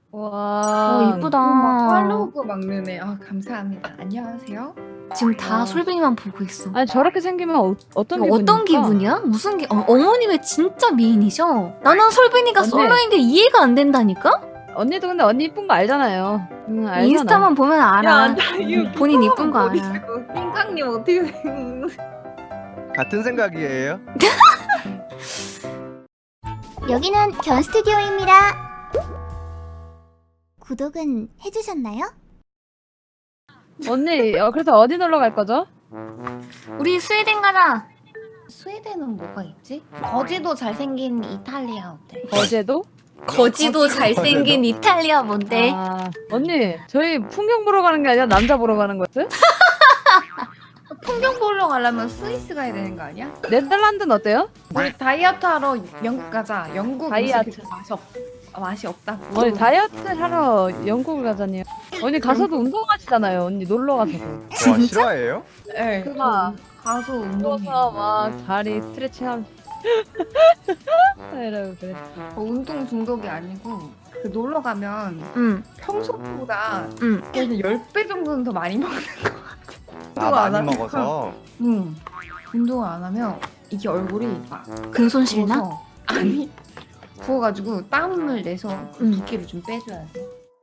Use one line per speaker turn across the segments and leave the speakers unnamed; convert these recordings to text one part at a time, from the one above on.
와.
이쁘다.
막 팔로우고 막느네. 아 감사합니다. 안녕하세요.
지금 다
와.
솔빈이만 보고 있어.
아니 저렇게 생기면 어떤
이거
기분일까?
어떤 기분이야? 무슨 어머니 왜 진짜 미인이셔? 나는 솔빈이가
언니.
솔로인 게 이해가 안 된다니까?
언니도 근데 언니 이쁜 거 알잖아요. 응, 알잖아.
인스타만 보면 알아.
이거
본인 이쁜 거 알아.
핑강님 어떻게 생?
같은 생각이에요?
여기는 견 스튜디오입니다. 구독은 해주셨나요?
언니 그래서 어디 놀러 갈 거죠?
우리 스웨덴 가자.
스웨덴은 뭐가 있지? 거지도 잘생긴 이탈리아 어때?
어제도?
거지도 잘생긴 이탈리아 뭔데?
아, 언니 저희 풍경 보러 가는 게 아니라 남자 보러 가는 거였어요?
풍경 보러 가려면 스위스 가야 되는 거 아니야?
네덜란드는 어때요?
우리 다이어트 하러 영국 가자. 영국
다이어트.
음식이 맛이 없다.
언니 다이어트 하러 영국을 가자니요. 언니 가서도 운동하시잖아요. 언니 놀러 가서도.
와 실화예요?
네,
그거
가서
누워서
운동해.
막 다리 스트레칭하면 이러고 그랬어.
운동 중독이 아니고 그 놀러 가면
응,
평소보다
응.
그래서 10배 정도는 더 많이 먹는 것 같아.
아
운동 안
많이
하면-
먹어서
응. 운동을 안 하면 이게 얼굴이 막
근손 실나?
부어서 아니 부어가지고 땀을 내서 그
응.
붓기를 좀 빼줘야 돼.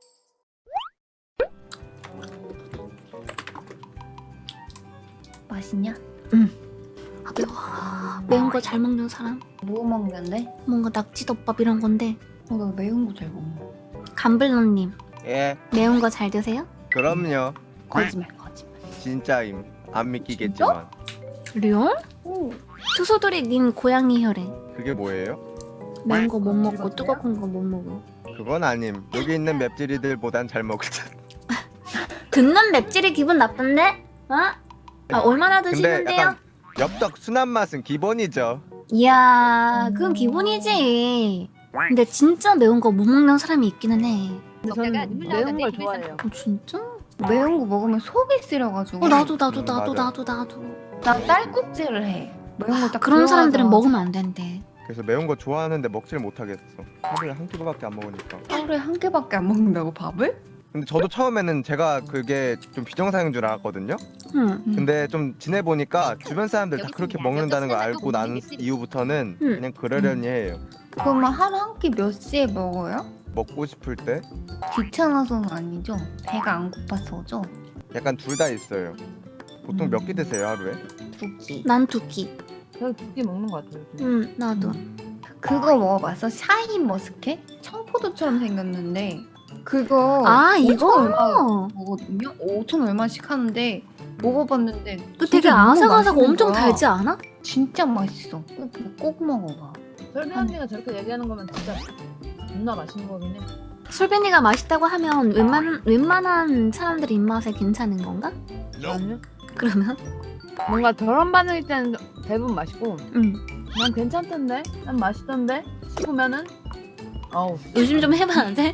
맛있냐?
아 매워. 매운 거 잘 먹는 사람.
뭐 먹는데?
뭔가 낙지덮밥 이런 건데.
나 매운 거 잘 먹어.
감블러님
예
매운 거 잘 드세요?
그럼요
거짓말.
진짜임 안 믿기겠지만
리얼?
오.
투소돌이님 고양이 혈액.
그게 뭐예요?
매운 거 못 먹고 뜨거운 거 못 먹어.
그건 아님 여기 있는 맵찔이들보단 잘 먹을 듯
듣는 맵찔이 기분 나쁜데? 어? 아, 얼마나
근데
드시는데요?
약간 엽떡 순한 맛은 기본이죠
이야, 그건 기본이지. 근데 진짜 매운 거 못 먹는 사람이 있기는 해.
근데 저는 매운 걸 좋아해요.
진짜?
매운 거 먹으면 속이 쓰려가지고.
나도
맞아.
나 딸꾹질을 해. 매운 거딱
그런 사람들은 먹으면 안 된대.
그래서 매운 거 좋아하는데 먹질 못하겠어 하루에 한 끼밖에 안 먹으니까
하루에 한 개밖에 안 먹는다고 밥을?
근데 저도 처음에는 제가 그게 좀 비정상인 줄 알았거든요
응.
근데 좀 지내보니까 주변 사람들 다 그렇게 먹는다는 걸 알고 나는 이후부터는
응.
그냥 그러려니 해요
그러면 하루 한 끼 몇 시에 먹어요?
먹고 싶을 때
귀찮아서는 아니죠? 배가 안 고파서죠?
약간 둘 다 있어요 보통 몇 끼 드세요 하루에?
2끼.
난 두 끼.
저 두 개 먹는 것 같아요. 요즘.
응, 나도.
그거 먹어봤어? 샤인 머스켓? 청포도처럼 생겼는데 그거
아,
5천
이거?
얼마 먹거든요? 5천 얼마씩 하는데 먹어봤는데
그 되게
진짜 너무
아삭아삭
맛있는
엄청
거야.
달지 않아?
진짜 맛있어. 꼭 먹어봐.
설비 언니가 저렇게 얘기하는 거면 진짜 존나 맛있는 거긴 해.
솔빈이가 맛있다고 하면 웬만한 사람들 입맛에 괜찮은 건가?
아니요?
그러면?
뭔가 저런 반응일 때는 대부분 맛있고
응.
난 괜찮던데? 난 맛있던데? 싶으면은 어우
요즘 좀 해봐야 돼?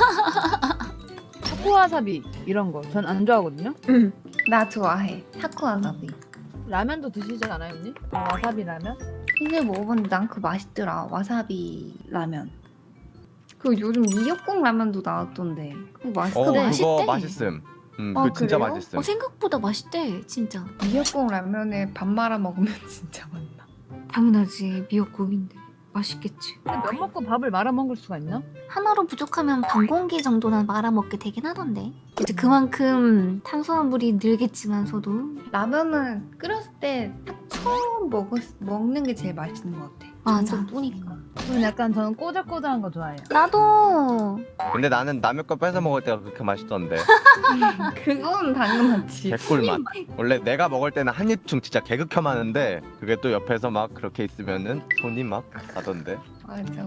타코와사비 이런 거 전 안 좋아하거든요?
응.
나 좋아해. 타코와사비.
라면도 드시지 않아요 언니? 와사비 라면?
이제 먹어봤는데 난 그거 맛있더라. 와사비 라면. 그 요즘 미역국 라면도 나왔던데. 그거 맛있어.
그거
그거
맛있대.
맛있음
아,
그거 진짜
그래요?
맛있음
생각보다 맛있대, 진짜.
미역국 라면에 밥 말아 먹으면 진짜 맛나.
당연하지, 미역국인데. 맛있겠지.
근데 면 먹고 밥을 말아 먹을 수가 있나?
하나로 부족하면 반 공기 정도는 말아먹게 되긴 하던데. 이제 그만큼 탄수화물이 늘겠지만서도.
라면은 끓였을 때 딱 처음 먹는 게 제일 맛있는 것 같아.
맞아.
점점 뿌니까.
저는 약간 저는 꼬들꼬들한 거 좋아해요.
나도.
근데 나는 남의 거 뺏어 먹을 때가 그렇게 맛있던데
그건 당연하지.
개꿀맛 원래 내가 먹을 때는 한 입충 진짜 개극혐 하는데 그게 또 옆에서 막 그렇게 있으면은 손이 막 가던데
맞아.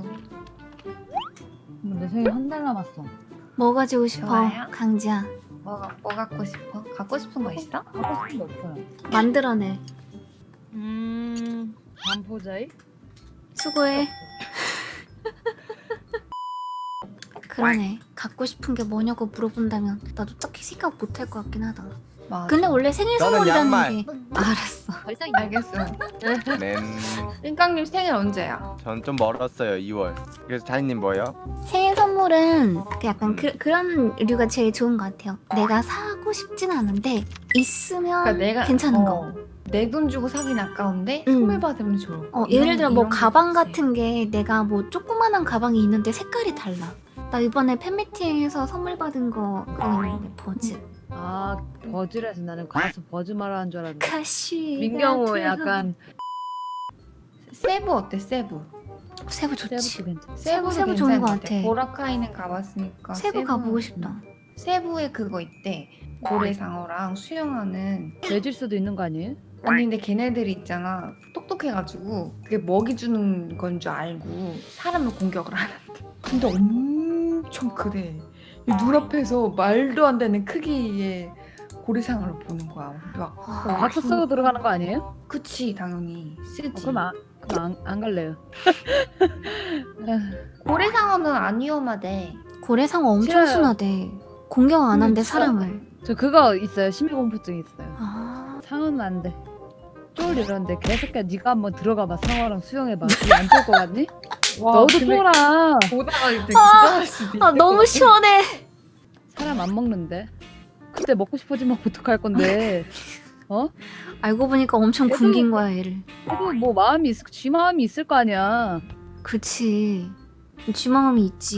내 생일 한 달 남았어.
뭐 가지고 싶어,
좋아요.
강지야?
뭐 갖고 싶어? 갖고 싶은 거 있어?
하고 싶은 게 없어요.
만들어내.
반포자이?
수고해. 그러네. 갖고 싶은 게 뭐냐고 물어본다면 나도 딱히 생각 못 할 것 같긴 하다.
맞아.
근데 원래 생일
저는
선물이라는
양말.
게 알았어.
벌써
알겠어.
네.
띵깡님 생일 언제야?
전 좀 멀었어요. 2월. 그래서 자이님 뭐예요?
생일 선물은 그 약간 그런 류가 제일 좋은 것 같아요. 내가 사고 싶진 않은데 있으면
그러니까 내가
괜찮은 거.
내 돈 주고 사긴 아까운데
응.
선물 받으면 좋을 거.
예를 들어 뭐
이런 게
가방
좋지.
같은 게 내가 뭐 조그만한 가방이 있는데 색깔이 달라. 나 이번에 팬미팅에서 선물 받은 거 그거 있는데 버즈.
아 버즈라서 나는 가수 버즈 말하는 줄 알았는데.
카시.
민경호 약간
세부 어때 세부?
세부 좋지.
세부도 괜찮아.
세부
괜찮은
좋은 것
것
같아.
보라카이는 가봤으니까
세부 가보고 싶다.
세부에 그거 있대. 고래상어랑 수영하는.
내줄 수도 있는 거 아니에요?
아니 근데 걔네들이 있잖아 똑똑해가지고 그게 먹이 주는 건 줄 알고 사람을 공격을 하는데 근데 엄청 크대. 이 눈앞에서 말도 안 되는 크기의 고래상어를 보는 거야. 막
박수 쓰고 들어가는 거 아니에요?
그치 당연히 쓰지.
그럼 안 갈래요.
고래상어는 안 위험하대.
고래상어 엄청
싫어요.
순하대. 공격 안 한대
진짜.
사람을.
저 그거 있어요. 심해공포증 있어요.
아.
상어는 안 돼. 쫄 이러는데 개새끼야 네가 한번 들어가봐. 상어랑 수영해봐. 안쫄 것 같니? 너도 쫄아.
보다가 이제 기절할 수도 있을
아 너무
것
시원해.
사람 안 먹는데. 그때 먹고 싶어지면 어떡할 건데. 어?
알고 보니까 엄청
얘도-
굶긴 거야 얘를.
그래도 뭐 쥐 마음이 있을 거 아니야.
그치. 쥐마음이 있지.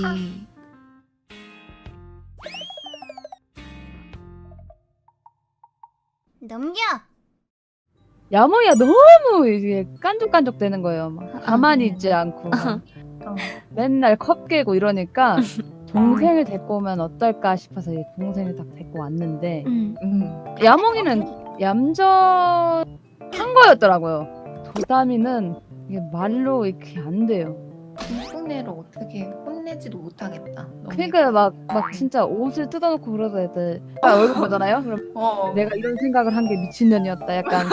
넘겨.
야몽이가 너무 이게 깐족깐족 되는 거예요. 막 가만히 있지 않고
같아.
맨날 컵 깨고 이러니까 동생을 데리고 오면 어떨까 싶어서 이 동생을 딱 데리고 왔는데 야몽이는 얌전한 거였더라고요. 도담이는 이게 말로 이렇게 안 돼요.
이쁜애를 어떻게 혼내지도 못하겠다. 너무
그러니까 막 진짜 옷을 뜯어놓고 그러다 애들 얼굴 보잖아요. 그럼
어.
내가 이런 생각을 한 게 미친년이었다. 약간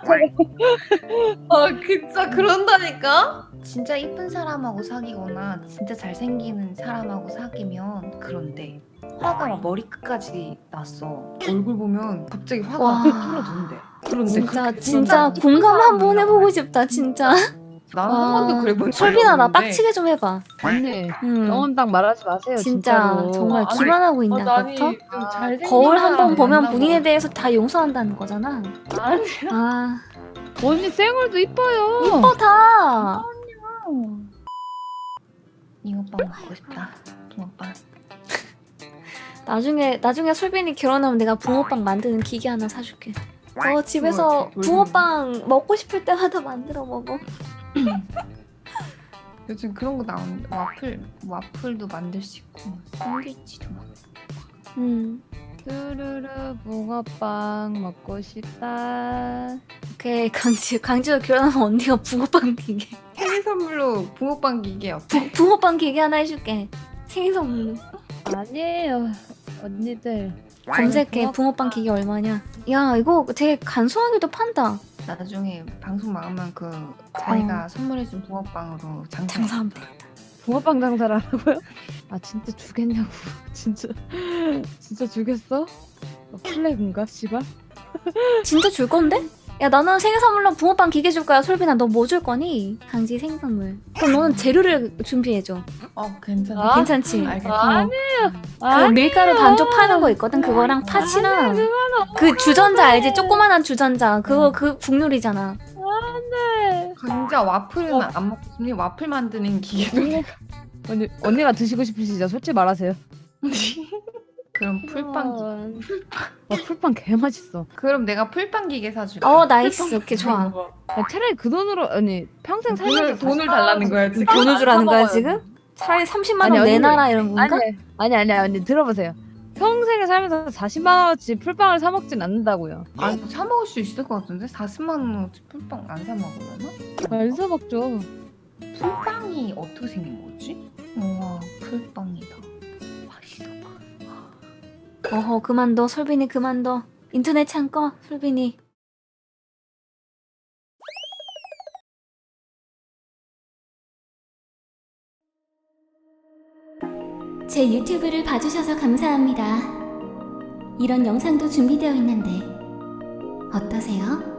진짜 그런다니까? 진짜 이쁜 사람하고 사귀거나 진짜 잘생기는 사람하고 사귀면 그런데 화가 막 머리끝까지 났어. 얼굴 보면 갑자기 화가
와.
뚫어둔대. 그런데
진짜
그렇게
진짜
이쁜
공감 한번
사람이라고
해보고 싶다 진짜.
나는 한 번도 그래 본 적이
솔빈아 나
없는데.
빡치게 좀 해봐.
언니 경험담 말하지 마세요.
진짜
진짜로.
정말
아니,
기만하고 있나
나니
같아?
좀 잘생긴
거울 한 번
사람
보면
만나고.
본인에 대해서 다 용서한다는 거잖아.
아니
아
언니 쌩얼도 이뻐요.
이뻐 다.
잉어빵 먹고 싶다. 붕어빵.
나중에 솔빈이 결혼하면 내가 붕어빵 만드는 기계 하나 사줄게. 집에서
그거
붕어빵 먹고 싶을 때마다 만들어 먹어.
요즘 그런 거 나오는데 와플도 만들 수 있고 샌드위치도 막.
뚜루루 붕어빵 먹고 싶다.
오케이 강지가 결혼하면 언니가 붕어빵 기계.
생일 선물로 붕어빵 기계 어때?
붕어빵 기계 하나 해줄게. 생일 선물로.
아니에요 언니들.
검색해 붕어빵 기계 얼마냐. 야 이거 되게 간소하게도 판다.
나중에 방송 나오면 그 자기가 선물해준 붕어빵으로
장사하면 되겠다.
붕어빵 장사를 하라고요? 아 진짜 주겠냐고. 진짜 주겠어? 플래그인가 씨발?
진짜 줄 건데? 야 나는 생일 선물로 붕어빵 기계 줄 거야. 솔빈아 너 뭐 줄 거니? 강지 생일 선물. 그럼 너는 재료를 준비해줘.
괜찮아.
아?
괜찮지?
알겠어.
그 밀가루 반죽 파는 거 있거든. 그거랑 팥이랑 그 주전자 알지? 조그만한 주전자. 그거 그 국룰이잖아.
안돼.
강자 와플은 안 먹고 싶니? 와플 만드는 기계도
언니가 드시고 싶으시죠? 솔직히 말하세요.
그럼 풀빵
풀빵 개 맛있어.
그럼 내가 풀빵 기계 사줄게.
나이스. 오케이 좋아.
야, 차라리 그 돈으로 언니 평생 살면서
돈을 달라는 거야 지금.
돈을 주라는 거야 지금? 차라리 30만 원
아니, 언니,
내놔라 이런 건가?
아니 언니 들어보세요. 평생을 살면서 40만 원어치 풀빵을 사 먹진 않는다고요.
아니 사 먹을 수 있을 것 같은데 40만 원어치 풀빵 안 사 먹으려나?
안 사 먹죠.
풀빵이 어떻게 생긴 거지? 우와 풀빵이다. 맛있어 봐.
어허 그만둬 솔빈이 그만둬. 인터넷 창 꺼 솔빈이.
제 유튜브를 봐주셔서 감사합니다. 이런 영상도 준비되어 있는데 어떠세요?